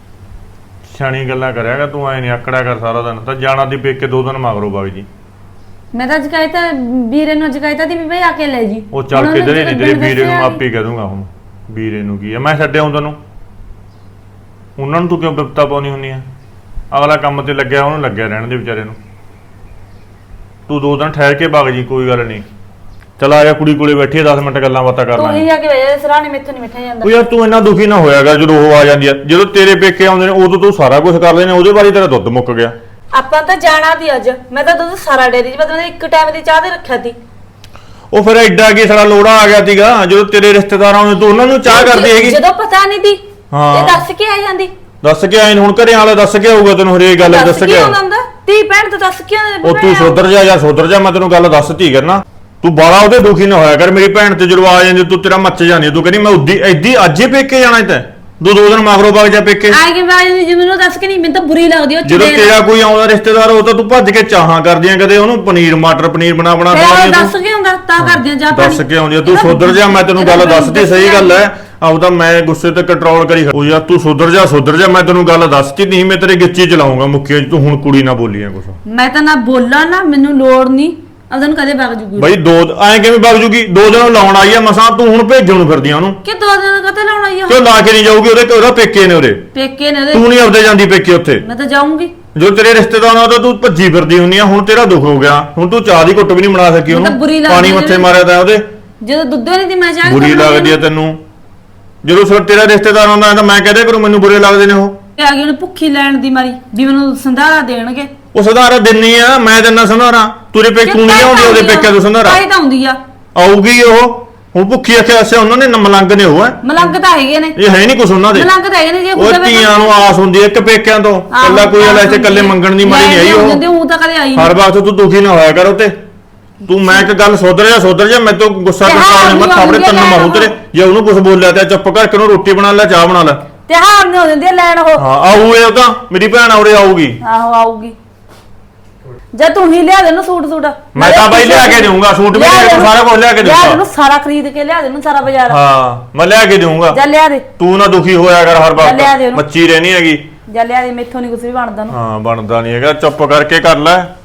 Speaker 5: ਸਿਆਣੀ ਗੱਲਾਂ ਕਰਿਆਗਾ ਤੂੰ, ਐ ਨਹੀਂ ਆਕੜਿਆ ਕਰ ਸਾਰਾ ਦਿਨ। ਤਾਂ ਜਾਣਾ ਦੀ ਪੇਕੇ 2 ਦਿਨ ਮਗਰੋਂ ਵਗ ਜੀ।
Speaker 4: ਮੈਂ ਤਾਂ ਜਕਾਇਤਾ ਵੀਰੇ ਨੂੰ ਜਕਾਇਤਾ ਦੀ ਵੀ ਬਈ ਆ ਕੇ ਲੈ ਜੀ।
Speaker 5: ਉਹ ਚੱਲ ਕਿਧਰੇ ਨਹੀਂ, ਤੇਰੇ ਵੀਰੇ ਨੂੰ ਆਪੇ ਕਹਿ ਦੂੰਗਾ। ਹੁਣ ਵੀਰੇ ਨੂੰ ਕੀ ਆ, ਮੈਂ ਛੱਡਿਆ ਹੁੰਦਾ ਨੂੰ। ਉਹਨਾਂ ਨੂੰ ਤੂੰ ਕਿਉਂ ਬਿਪਤਾ ਪਾਉਣੀ ਹੁੰਦੀ ਆ। ਅਗਲਾ ਕੰਮ ਤੇ ਲੱਗਿਆ, ਉਹਨੂੰ ਲੱਗਿਆ ਰਹਿਣ ਦੇ ਵਿਚਾਰੇ ਨੂੰ। ਤੂੰ 2 ਦਿਨ ਠਹਿਰ ਕੇ ਵਗ ਜੀ, ਕੋਈ ਗੱਲ ਨਹੀਂ। ਚਲ ਆ ਜਾ, ਕੁੜੀ ਕੋਲੇ ਬੈਠੀ ਆ, 10 ਮਿੰਟ ਗੱਲਾਂ ਬਾਤਾਂ ਕਰ
Speaker 4: ਤੂੰ
Speaker 5: ਲਾਂਗੇ।
Speaker 4: ਹੀ ਜਾ ਕੇ ਵਜੇ ਸਰਾਣੇ ਮੈਥੋਂ ਨਹੀਂ ਮਿੱਠਾ ਜਾਂਦਾ।
Speaker 5: ਉਹ ਯਾਰ ਤੂੰ ਇੰਨਾ ਦੁਖੀ ਨਾ ਹੋਇਆ ਕਰ ਜਦੋਂ ਉਹ ਆ ਜਾਂਦੀ ਆ। ਜਦੋਂ ਤੇਰੇ ਪੇਕੇ ਆਉਂਦੇ ਨੇ ਉਦੋਂ ਤੂੰ ਸਾਰਾ ਕੁਝ ਕਰ ਲੈਨੇ, ਉਹਦੇ ਬਾਰੇ ਤੇਰਾ ਦੁੱਧ ਮੁੱਕ ਗਿਆ।
Speaker 4: ਆਪਾਂ ਤਾਂ ਜਾਣਾ ਦੀ ਅੱਜ। ਮੈਂ ਤਾਂ ਦੁੱਧ ਸਾਰਾ ਡੇਰੀ 'ਚ ਮਤਲਬ ਇੱਕ ਟਾਈਮ ਦੀ ਚਾਹ ਦੇ ਰੱਖਿਆ ਸੀ।
Speaker 5: ਉਹ ਫਿਰ ਐਡਾ ਕੀ ਸਾਡਾ ਲੋੜਾ ਆ ਗਿਆ ਸੀਗਾ। ਜਦੋਂ ਤੇਰੇ ਰਿਸ਼ਤੇਦਾਰ ਆਉਂਦੇ ਤੂੰ ਉਹਨਾਂ ਨੂੰ ਚਾਹ ਕਰਦੀ ਹੈਗੀ।
Speaker 4: ਜਦੋਂ ਪਤਾ ਨਹੀਂ ਦੀ
Speaker 5: ਹਾਂ।
Speaker 4: ਤੇ ਦੱਸ ਕੇ ਆ ਜਾਂਦੀ।
Speaker 5: ਦੱਸ ਕੇ ਆਏ ਹੁਣ ਘਰੇ ਵਾਲਾ ਦੱਸ ਕੇ ਆਊਗਾ ਤੈਨੂੰ ਹਰੇਕ ਗੱਲ ਦੱਸ ਕੇ ਆਊ।
Speaker 4: ਆਉਂਦਾ ਤੀ ਭੈਣ ਤੋਂ ਦੱਸ ਕੇ ਆਉਂਦਾ।
Speaker 5: ਉਹ ਤੂੰ ਸੁਧਰ ਜਾ ਜਾਂ ਸੁਧਰ ਜਾ, ਮੈਂ ਤੈਨੂੰ ਗੱਲ ਦੱਸਤੀ ਕਰਨਾ। ਤੂੰ ਬਾਲਾ ਉਹਦੇ ਦੁਖੀ ਨਾ ਹੋਇਆ ਕਰ। ਮੇਰੀ ਭੈਣ ਤੇ ਜਦੋਂ ਆ ਜਾਂਦੀ ਤੂੰ ਤੇਰਾ ਮੱਚ ਜਾਂਦੀ। ਤੂੰ ਕਹਿੰਦੀ ਮੈਂ ਉੱਦੀ ਐਦੀ ਅੱਜ ਹੀ ਪੇਕੇ ਜਾਣਾ ਤੇ 2 ਦਿਨ ਮਗਰੋਂ ਵਗ ਜਾ ਪੇਕੇ।
Speaker 4: ਆ ਕੇ ਬਾਜ ਜੀ ਮੈਨੂੰ ਦੱਸ ਕੇ ਨਹੀਂ, ਮੈਨੂੰ ਤਾਂ ਬੁਰੀ ਲੱਗਦੀ ਉਹ
Speaker 5: ਜਦੋਂ ਤੇਰਾ ਕੋਈ ਆਉਂਦਾ ਰਿਸ਼ਤੇਦਾਰ ਉਹ ਤਾਂ ਤੂੰ ਭੱਜ ਕੇ ਚਾਹਾਂ ਕਰਦੀਆਂ। ਕਦੇ ਉਹਨੂੰ ਪਨੀਰ ਮਟਰ ਪਨੀਰ ਬਣਾ
Speaker 4: ਫਿਰ ਦੱਸ ਕੇ ਆਉਂਦਾ ਤਾਂ ਕਰਦੀਆਂ ਜਾ ਪਾਣੀ।
Speaker 5: ਦੱਸ ਕੇ ਆਉਂਦੀ ਆ। ਤੂੰ ਸੁਧਰ ਜਾ, ਮੈਂ ਤੈਨੂੰ ਗੱਲ ਦੱਸਤੀ। ਸਹੀ ਗੱਲ ਹੈ। ਆਪਦਾ ਮੈਂ ਗੁੱਸੇ ਤੇ ਕੰਟਰੋਲ ਕਰੀ। ਉਹ ਯਾਰ ਤੂੰ ਸੁਧਰ ਜਾ, ਮੈਂ ਤੈਨੂੰ ਗੱਲ ਦੱਸਤੀ। ਨਹੀਂ ਮੈਂ ਤੇਰੇ ਗਿੱਚੀ ਚਲਾਉਂਗਾ ਮੁੱਕੇ। ਤੂੰ ਹੁਣ ਕੁੜੀ ਨਾ ਬੋਲੀਆਂ ਕੁਛ।
Speaker 4: ਮੈਂ ਤਾਂ ਨਾ ਬੋਲਾਂ ਨਾ, ਮੈਨੂੰ ਲੋੜ ਨਹੀਂ। ਅਦੋਂ ਕਦੇ ਵਗ ਜੂਗੀ
Speaker 5: ਬਈ ਐਂ ਕਿਵੇਂ ਵਗ ਜੂਗੀ। 2 ਦਿਨ ਲਾਉਣ ਆਈ ਆ ਮਸਾਂ, ਤੂੰ ਹੁਣ ਭੇਜਣ ਨੂੰ ਫਿਰਦੀਆਂ ਉਹਨੂੰ।
Speaker 4: ਕਿ 2 ਦਿਨ ਕਦੇ ਲਾਉਣਾ ਹੀ
Speaker 5: ਕਿਉਂ ਲਾ ਕੇ ਨਹੀਂ ਜਾਊਗੀ। ਉਹਦਾ ਪੇਕੇ ਨੇ ਉਰੇ,
Speaker 4: ਪੇਕੇ ਨੇ ਉਹਦੇ।
Speaker 5: ਤੂੰ ਨਹੀਂ ਆਪਦੇ ਜਾਂਦੀ ਪੇਕੇ ਉੱਥੇ।
Speaker 4: ਮੈਂ ਤਾਂ ਜਾਊਂਗੀ।
Speaker 5: ਜੋ ਤੇਰੇ ਰਿਸ਼ਤੇਦਾਰ ਨਾਲ ਤਾਂ ਤੂੰ ਭੱਜੀ ਫਿਰਦੀ ਹੁੰਨੀ ਆ। ਹੁਣ ਤੇਰਾ ਦੁੱਖ ਹੋ ਗਿਆ। ਹੁਣ ਤੂੰ ਚਾਹ ਦੀ ਘੁੱਟ ਵੀ ਨਹੀਂ ਬਣਾ ਸਕੀ
Speaker 4: ਮੈਨੂੰ ਤਾਂ ਬੁਰੀ
Speaker 5: ਉਹਨੂੰ।
Speaker 4: ਲੱਗਦੀ
Speaker 5: ਪਾਣੀ ਮੱਥੇ
Speaker 4: ਹੈ।
Speaker 5: ਮਾਰਿਆ ਤਾਂ ਉਹਦੇ।
Speaker 4: ਜਦੋਂ ਦੁੱਧ ਨਹੀਂ ਦੀ ਮੈਂ ਚਾਹ
Speaker 5: ਬੁਰੀ ਲੱਗਦੀ ਆ ਤੈਨੂੰ। ਜਦੋਂ ਸਿਰ ਤੇਰਾ ਰਿਸ਼ਤੇਦਾਰ ਆਉਂਦਾ ਤਾਂ ਮੈਂ ਕਹਦੇ ਕਰੂੰ ਮੈਨੂੰ ਬੁਰੇ ਲੱਗਦੇ ਨੇ ਉਹ।
Speaker 4: ਆ ਗਈ ਉਹਨੇ ਭੁੱਖੀ ਲੈਣ ਦੀ ਮਾਰੀ ਵੀ ਮੈਨੂੰ ਸੰਧਾਰਾ ਦੇਣਗੇ।
Speaker 5: ਉਹ ਸੰਧਾਰਾ ਦਿੰਨੀ ਆ, ਮੈਂ ਦਿੰਨਾ ਸੰਧਾਰਾ। ਤੇਰੇ ਪੇਕੇ ਤੂੰ ਨਹੀਂ ਆਉਂਦੀ, ਉਹਦੇ ਪੇਕੇ ਤੋਂ ਸੰਧਾਰਾ
Speaker 4: ਤਾਂ ਆਉਂਦੀ ਆ।
Speaker 5: ਆਊਗੀ ਉਹ। ਹੁਣ ਭੁੱਖੀ ਆਖਿਆ ਅਸਿਆ ਉਹਨਾਂ ਨੇ ਮਲੰਗ ਨੇ ਉਹ ਹੈ।
Speaker 4: ਮਲੰਗ ਤਾਂ ਹੈਗੇ ਨੇ।
Speaker 5: ਇਹ ਹੈ ਨਹੀਂ ਕੁਛ ਉਹਨਾਂ ਦੇ।
Speaker 4: ਮਲੰਗ ਤਾਂ ਹੈਗੇ ਨੇ। ਜੇ
Speaker 5: ਉਹ ਧੀਆਂ ਨੂੰ ਆਸ ਹੁੰਦੀ ਹੈ ਇੱਕ ਪੇਕਿਆਂ ਤੋਂ। ਕੱਲਾ ਕੋਈ ਵਾਲਾ ਇੱਥੇ ਕੱਲੇ ਮੰਗਣ ਦੀ ਮਾਰੀ ਨਹੀਂ ਆਈ ਉਹ।
Speaker 4: ਉਹ ਤਾਂ ਕਦੇ ਆਈ
Speaker 5: ਹਰ ਵਕਤ ਤੂੰ ਦੁਖੀ ਨਾ ਹੋਇਆ ਕਰ ਉਤੇ। ਤੂੰ ਮੈਂ ਇੱਕ ਗੱਲ ਸੁਧਰ ਜਾ। ਮੈਂ ਤੋਂ ਗੁੱਸਾ ਕਰਦਾ ਮੈਂ ਥਾਪੜੇ ਤੰਨ ਮਾਰੂ ਤੇਰੇ। ਜੇ ਉਹਨੂੰ ਕੁਝ ਬੋਲਿਆ ਤੇ ਚੁੱਪ ਕਰਕੇ ਉਹਨੂੰ ਰੋਟੀ ਬਣਾ ਲੈ, ਚਾਹ ਬਣਾ ਲੈ।
Speaker 4: ਤਿਉਹਾਰ ਨੇ ਹੋ ਜਾਂਦੇ ਲੈਣ ਉਹ।
Speaker 5: ਹਾਂ ਆਊ ਇਹ ਤਾਂ ਮੇਰੀ ਭੈਣ ਉਰੇ ਆਊਗੀ।
Speaker 4: ਆਹੋ ਆਊਗੀ। ਜੇ ਤੂੰ ਹੀ ਲਿਆ ਦੇ ਨੂੰ ਸੂਟ
Speaker 5: ਮੈਂ ਤਾਂ ਬਾਈ ਲਿਆ ਕੇ ਦੇਊਂਗਾ। ਸੂਟ ਵੀ ਸਾਰਾ ਕੁਝ ਲਿਆ ਕੇ
Speaker 4: ਲਿਆ ਦੇ
Speaker 5: ਦੇਊਂਗਾ।
Speaker 4: ਨੂੰ ਸਾਰਾ ਖਰੀਦ ਕੇ ਲਿਆ ਦੇ ਨੂੰ ਸਾਰਾ ਬਾਜ਼ਾਰ।
Speaker 5: ਹਾਂ ਮੈਂ ਲਿਆ ਕੇ ਦੇਊਂਗਾ।
Speaker 4: ਜਾ ਲਿਆ ਦੇ।
Speaker 5: ਤੂੰ ਨਾ ਦੁਖੀ ਹੋਇਆ ਕਰ ਹਰ
Speaker 4: ਲਿਆ ਦੇ
Speaker 5: ਵਕਤ।
Speaker 4: ਉਹਨੂੰ।
Speaker 5: ਮੱਚੀ ਰਹਿਣੀ ਹੈਗੀ।
Speaker 4: ਜਾ ਲਿਆ ਦੇ। ਮੈਥੋਂ ਨਹੀਂ ਕੁਝ ਵੀ ਬਣਦਾ ਨੂੰ।
Speaker 5: ਹਾਂ ਬਣਦਾ ਨਹੀਂ ਹੈਗਾ। ਚੁੱਪ ਕਰਕੇ ਕਰ ਲੈ।